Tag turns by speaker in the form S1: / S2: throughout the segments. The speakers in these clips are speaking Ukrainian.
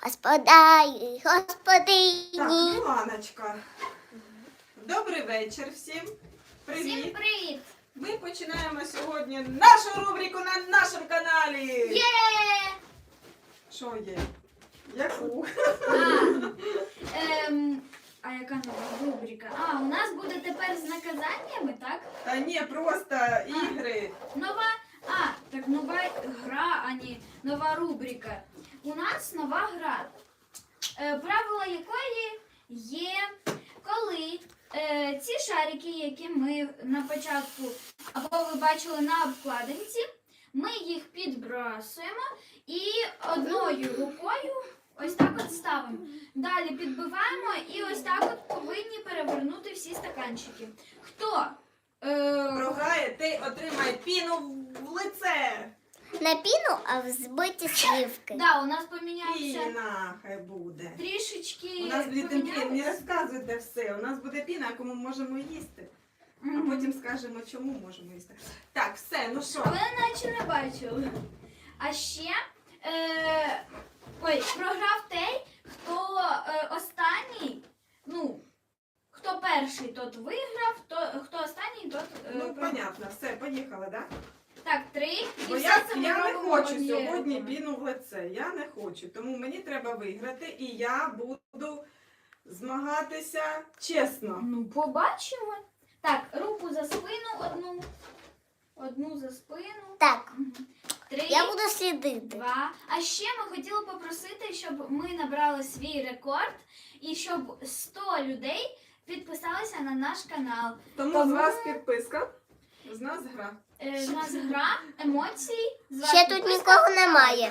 S1: Господарі,
S2: Так,
S1: господині.
S2: Міланочка. Добрий вечір всім.
S3: Всім
S2: Привіт.
S3: привіт!
S2: Ми починаємо сьогодні нашу рубрику на нашому каналі.
S3: Є!
S2: Що є? Яку?
S3: А яка нова рубрика? У нас буде тепер з наказаннями, так?
S2: Та ні, просто ігри.
S3: Нова гра, а не нова рубрика. У нас нова гра, правила якої є, коли ці шарики, які ми на початку або ви бачили на обкладинці, ми їх підбрасуємо і одною рукою ось так от ставимо. Далі підбиваємо і ось так от повинні перевернути всі стаканчики. Хто
S2: Програє, ти отримає піну в лице.
S1: Не піну, а взбиті сливки.
S3: Да, у нас помінявся
S2: Піна хай буде.
S3: трішечки.
S2: У нас буде піна, не
S3: помінялось.
S2: розказуйте все. У нас буде піна, яку ми можемо їсти. А
S3: Мгм.
S2: потім скажемо, чому можемо їсти. Так, все, ну що?
S3: А ви наче не бачили. А ще програв той, хто останній, хто перший, тот виграв, хто останній, тот
S2: Ну,
S3: програв.
S2: понятно, все, поїхали, так?
S3: Так, 3.
S2: Бо
S3: І
S2: я
S3: все це ми
S2: не
S3: робимо
S2: хочу
S3: однією
S2: сьогодні
S3: рукою.
S2: піну в лице. Я не хочу. Тому мені треба виграти, і я буду змагатися чесно.
S3: Ну, побачимо. Так, руку за спину одну. Одну за спину.
S1: Так,
S3: 3,
S1: я буду слідити.
S3: 2. А ще ми хотіли попросити, щоб ми набрали свій рекорд і щоб 100 людей підписалися на наш канал.
S2: Тому з вас підписка, з нас гра.
S3: В нас гра, емоції. з вас
S1: Ще тут
S3: підписка.
S1: нікого немає.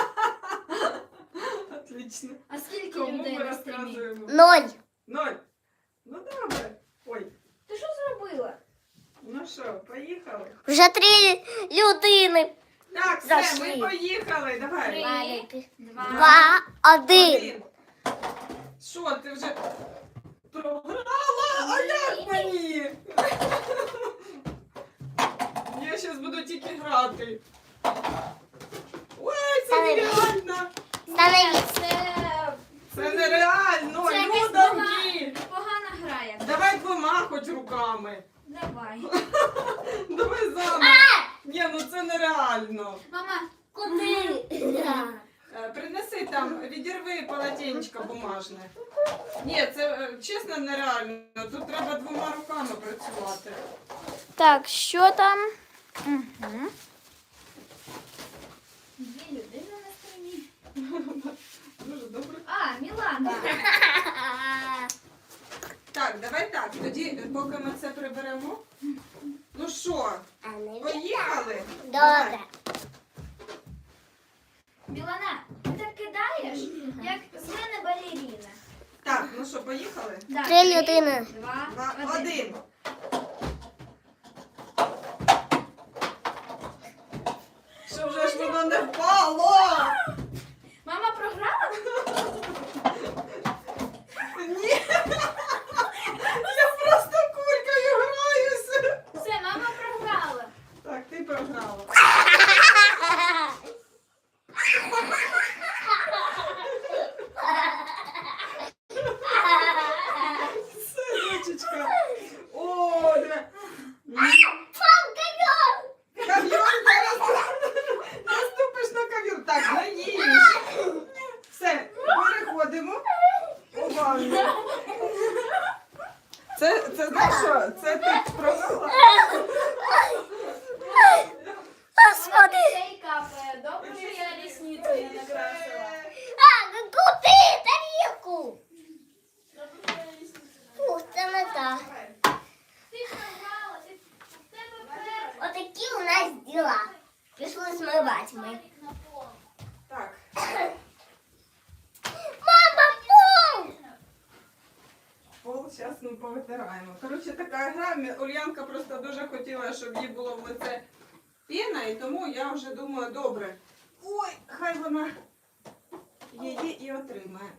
S2: Отлично.
S3: А скільки
S2: Кому
S3: людей
S2: ми
S3: на стрімі?
S2: розказуємо?
S1: 0.
S2: 0. Ну добре. Ой,
S3: Ти що зробила?
S2: ну що, поїхали?
S1: Вже 3 людини.
S2: Так, все,
S1: Зайшли.
S2: ми поїхали. Давай.
S3: 3, 2.
S1: 2, 1.
S2: Один. Що, ти вже програла? А як мені? Я зараз буду тільки грати. Ой, це
S1: Ставай.
S2: нереально.
S1: Становіться.
S3: Це
S2: Це нереально.
S3: Це якась
S2: Людоньки.
S3: погана гра. Як.
S2: Давай двома хоч руками.
S3: Давай.
S2: Давай заново. Ні, ну це нереально.
S3: Мама,
S1: Куди?
S2: Принеси там, відірви полотенечко бумажне. Ні, це чесно нереально. Тут треба двома руками працювати.
S1: Так, що там?
S3: дві людини на стрімі.
S2: Дуже добре.
S3: Мілана.
S2: Так, давай так. Тоді, поки ми це приберемо. Ну що, поїхали?
S1: Добре.
S3: Мілана, ти так кидаєш, як з мене балеріна.
S2: Так, ну що, поїхали?
S3: Да,
S1: 3 людини.
S3: 2,
S2: 2, 1. Що вже ж воно не впало?
S3: Мама програла?
S2: Ні. Я просто кулькою граюся.
S3: Все, мама програла.
S2: Так, ти програла. Все, дочечка. О, диви. Ковер зараз. Наступиш на ковер. Так, наїж. Все, переходимо у ванну. Це знаєш що? Це ти програла?
S1: Господи.
S3: Цей капає. Добре, що я рісницю не накрасила.
S1: Куди? Тарілку.
S3: Добре, що я рісницю не
S1: Фу, це не так.
S3: Ти програла, ти в тебе перша.
S1: Отакі у нас діла. Пішли змивати ми.
S3: На пол.
S2: Так.
S1: Мама, пум!
S2: Пол зараз ми повитираємо. Коротше, така гра. Ульянка просто дуже хотіла, щоб їй було в лице піна, і тому я вже думаю, добре. Ой, хай вона її і отримає.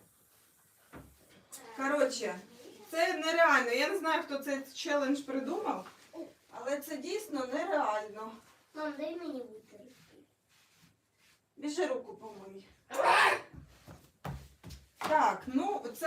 S2: Коротше, це нереально. Я не знаю, хто цей челендж придумав, але це дійсно нереально.
S1: Мам, дай мені витерти.
S2: Біжи руку помий.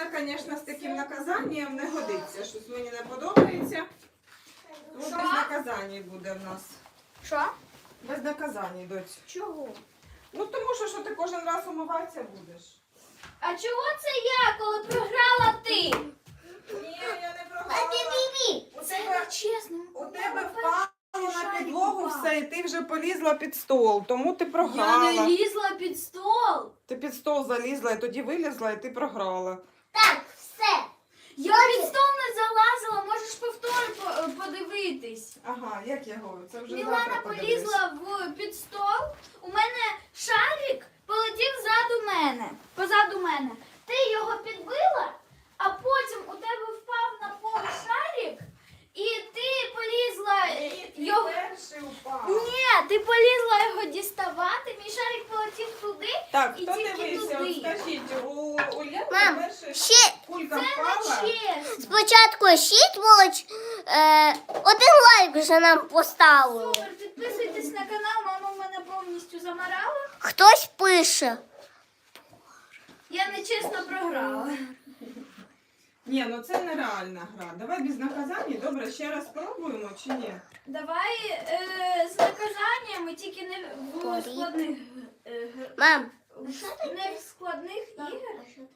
S2: це, звісно, з таким наказанням не годиться. Щось мені не подобається. Тому
S3: Що?
S2: без наказань буде в нас.
S3: Що?
S2: Без наказань, доць.
S3: Чого?
S2: Ну тому що ти кожен раз умиватися будеш.
S3: А чого це я, коли програла ти?
S2: Ні, я не
S1: А
S2: програла.
S1: ти бібі.
S2: У
S3: Це
S2: тебе,
S3: не чесно.
S2: у тебе впало на
S3: шарик
S2: підлогу
S3: впав.
S2: все, і ти вже полізла під стол, тому ти
S3: Я
S2: програла.
S3: не лізла під стол.
S2: Ти під стол залізла, і тоді вилізла, і ти програла.
S1: Так, все.
S3: Я під стол не залазила, можеш подивитись.
S2: Ага, як я говорю, це вже
S3: Мілана
S2: завтра подивись.
S3: полізла під стол, у мене шарик полетів позаду мене. Ти його підбила, а потім у тебе впав на пол шарик, і ти полізла
S2: Ні,
S3: його.
S2: ти перший упав.
S3: Ні, ти полізла його діставати, мій шарик полетів туди.
S2: Так,
S3: І
S2: хто
S3: тільки
S2: дивився,
S3: туди.
S2: от скажіть, у Ульяни
S1: Мам,
S2: перший
S1: ще
S2: кулька
S3: Це
S2: впала.
S3: не чесно.
S1: спочатку 6 було, 1 лайк вже нам поставили.
S3: Супер, підписуйтесь на канал, мама мене повністю замарала.
S1: Хтось пише.
S3: Я нечесно програла.
S2: Ні, ну це нереальна гра. Давай без наказань. Добре, ще раз спробуємо чи ні?
S3: Давай з наказаннями, тільки не в
S1: Горіть.
S3: складних
S1: Мам.
S3: не в складних ігор.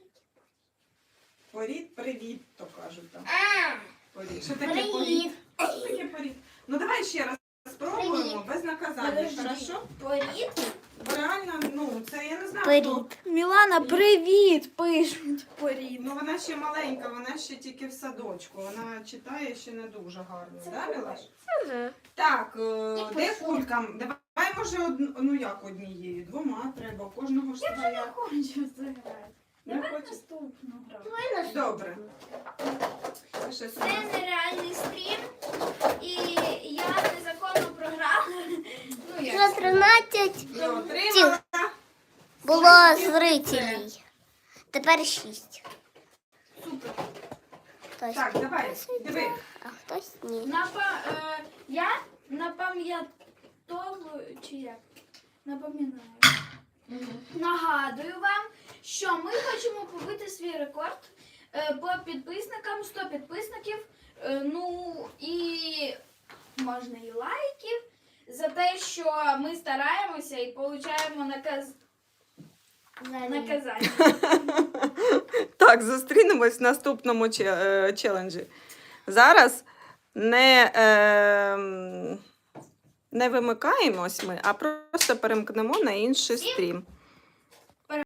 S2: Порід, привіт, то кажуть там.
S1: А,
S2: Порід. Що таке
S1: привіт.
S2: порід? Що таке порід? Ну давай ще раз спробуємо
S1: Привіт.
S2: без наказання, хорошо?
S3: Порід.
S2: Бо реально, ну, це я не знаю.
S1: Привіт.
S2: хто.
S3: Мілана, привіт, пишуть. Порід.
S2: Ну вона ще маленька, вона ще тільки в садочку. Вона читає ще не дуже гарно. Да, Мілаш? Так, де кулька? Давай може ну як однією, 2 треба. У кожного ж
S3: Я
S2: своя.
S3: хочу заграти.
S2: Не
S3: Давай
S2: хочеш?
S3: наступну гру.
S2: Добре. Це ще
S3: Це нереальний стрім, і я незаконно програла. Ну
S1: Вже
S3: як?
S1: 13
S2: Ти отримала.
S1: було зрителей. Тепер 6.
S3: Супер.
S1: Хтось
S2: Так, давай, диви.
S1: а хтось ні.
S3: Я напам'ятовую, чи як? Напоминаю. Нагадую вам, що ми хочемо побити свій рекорд по підписникам, 100 підписників, ну і можна і лайків за те, що ми стараємося і получаємо наказання.
S2: Так, зустрінемось в наступному челенджі. Зараз не вимикаємось ми, а просто перемкнемо на інший стрім.